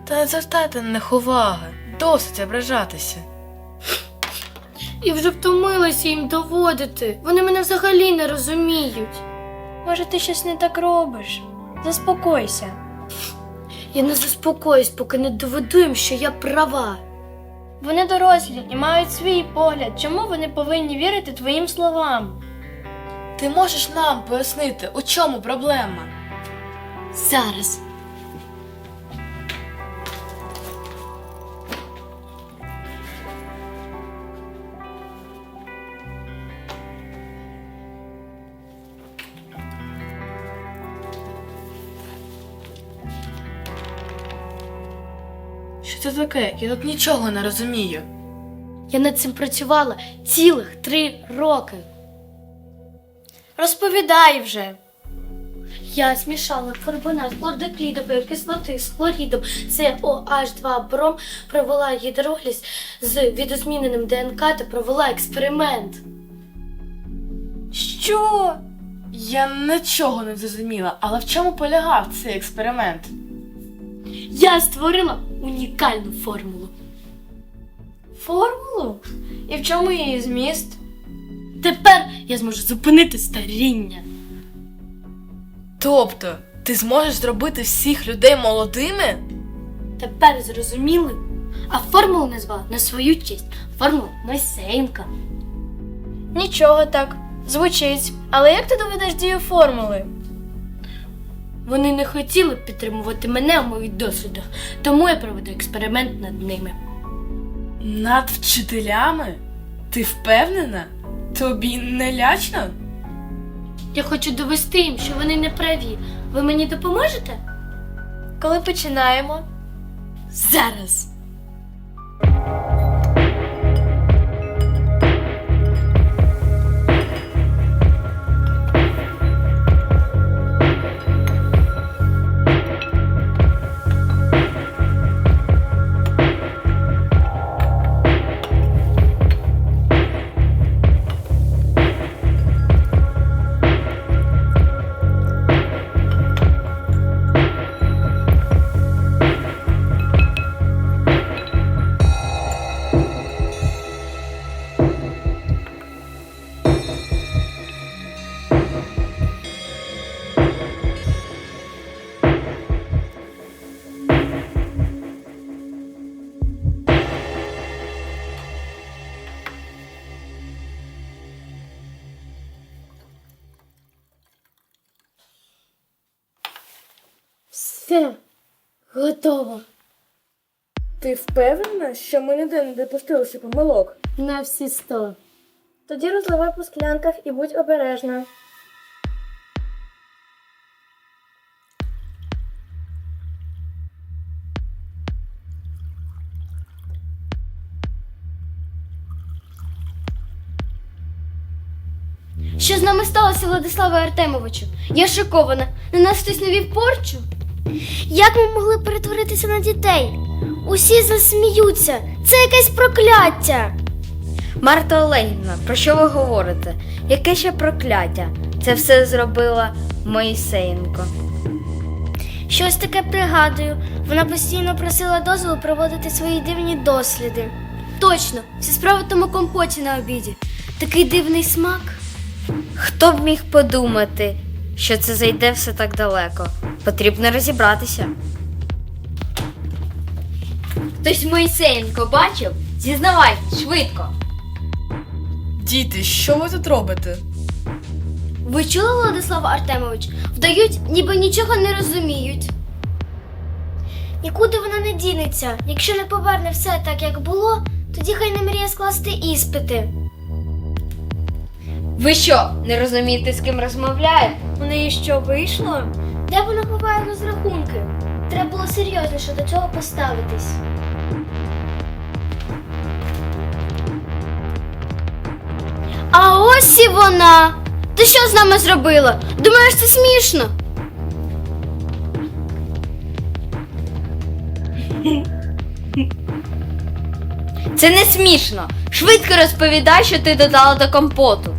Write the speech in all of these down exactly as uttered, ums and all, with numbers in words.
Та не звертайте на них уваги. Досить ображатися. І вже втомилася їм доводити. Вони мене взагалі не розуміють. Може, ти щось не так робиш? Заспокойся. Я не заспокоюсь, поки не доведу їм, що я права. Вони дорослі і мають свій погляд. Чому вони повинні вірити твоїм словам? Ти можеш нам пояснити, у чому проблема? Зараз. Що це таке? Я тут нічого не розумію. Я над цим працювала цілих три роки. Розповідай вже. Я змішала карбонат хлордеклідової кислоти з хлорідом С О Аш два бром, провела гідроліз з відозміненим Д Н К та провела експеримент. Що? Я нічого не зрозуміла, але в чому полягав цей експеримент? Я створила унікальну формулу. Формулу? І в чому її зміст? Тепер я зможу зупинити старіння. Тобто, ти зможеш зробити всіх людей молодими? Тепер зрозуміли? А формулу назвала на свою честь. Формула Мойсеєнка. Нічого так. Звучить. Але як ти доведеш дію формули? Вони не хотіли підтримувати мене у моїх дослідах, тому я проведу експеримент над ними. Над вчителями? Ти впевнена? Тобі не лячно? Я хочу довести їм, що вони не праві. Ви мені допоможете? Коли починаємо? Зараз. Все. Готово. Ти впевнена, що ми ніде не допустилися помилок? На всі сто. Тоді розливай по склянках і будь обережна. Що з нами сталося, Владиславе Артемовичу? Я шокована. На нас хтось навів порчу? Як ми могли перетворитися на дітей? Усі засміються. Це якесь прокляття. Марта Олегівна, про що ви говорите? Яке ще прокляття? Це все зробила Мойсеєнко. Щось таке пригадую. Вона постійно просила дозволу проводити свої дивні досліди. Точно, вся справа в тому компоті на обіді. Такий дивний смак. Хто б міг подумати, що це зайде все так далеко? Потрібно розібратися. Хтось Мойсеєнко бачив? Зізнавайтесь, швидко. Діти, що ви тут робите? Ви чули, Владислав Артемович? Вдають, ніби нічого не розуміють. Нікуди вона не дінеться. Якщо не поверне все так, як було, тоді хай не мріє скласти іспити. Ви що, не розумієте, з ким розмовляєте? У неї що, вийшло? Де вона ховає розрахунки? Треба було серйозніше до цього поставитись. А ось і вона! Ти що з нами зробила? Думаєш, це смішно? Це не смішно. Швидко розповідай, що ти додала до компоту.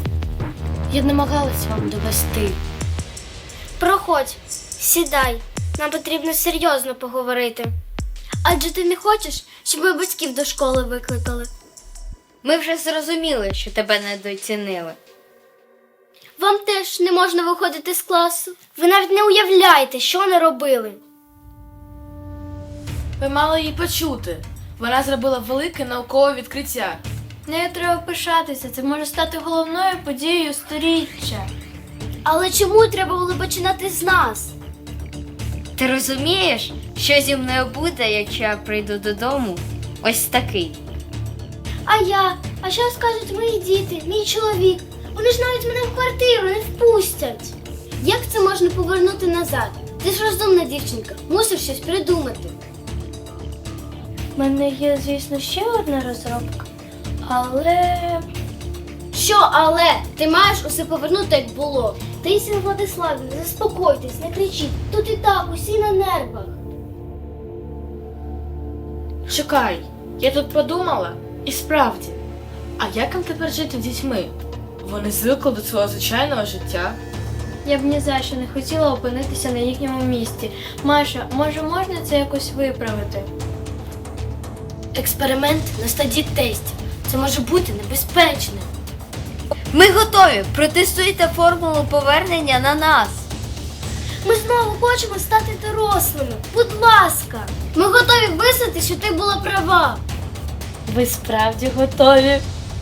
Я намагалась вам довести. Проходь, сідай. Нам потрібно серйозно поговорити. Адже ти не хочеш, щоб ми батьків до школи викликали. Ми вже зрозуміли, що тебе недооцінили. Вам теж не можна виходити з класу. Ви навіть не уявляєте, що не робили. Ви мали її почути. Вона зробила велике наукове відкриття. Нею треба пишатися, це може стати головною подією сторіччя. Але чому треба було починати з нас? Ти розумієш, що зі мною буде, якщо я прийду додому ось такий? А я? А що скажуть мої діти, мій чоловік? Вони ж навіть мене в квартиру не впустять. Як це можна повернути назад? Ти ж розумна дівчинка, мусиш щось придумати. У мене є, звісно, ще одна розробка, але Що але? Ти маєш усе повернути, як було. Таїсія Владиславівна, заспокойтесь, не кричіть. Тут і так, усі на нервах. Чекай, я тут подумала, і справді, а як їм тепер жити з дітьми? Вони звикли до свого звичайного життя. я б ні за що не хотіла опинитися на їхньому місці. Маша, може можна це якось виправити? Експеримент на стадії тестів. Це може бути небезпечним. Ми готові! Протестуйте формулу повернення на нас! Ми знову хочемо стати дорослими. Будь ласка. Ми готові визнати, що ти була права. Ви справді готові?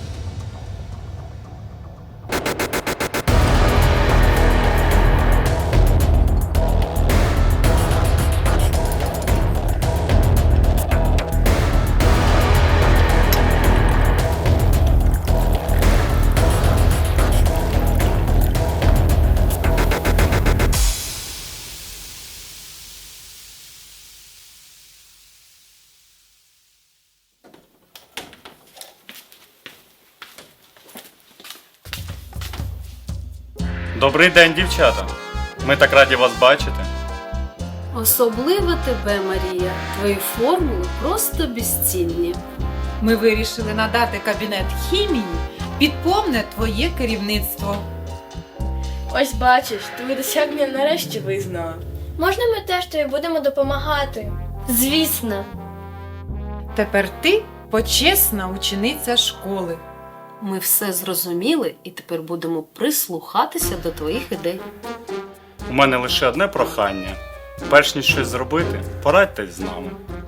Добрий день, дівчата. Ми так раді вас бачити. Особливо тебе, Марія. Твої формули просто безцінні. Ми вирішили надати кабінет хімії під повне твоє керівництво. Ось бачиш, твої досягнення нарешті визнала. Можна ми теж тобі будемо допомагати? Звісно. Тепер ти почесна учениця школи. Ми все зрозуміли і тепер будемо прислухатися до твоїх ідей. У мене лише одне прохання. Перш ніж щось зробити, порадьтесь з нами.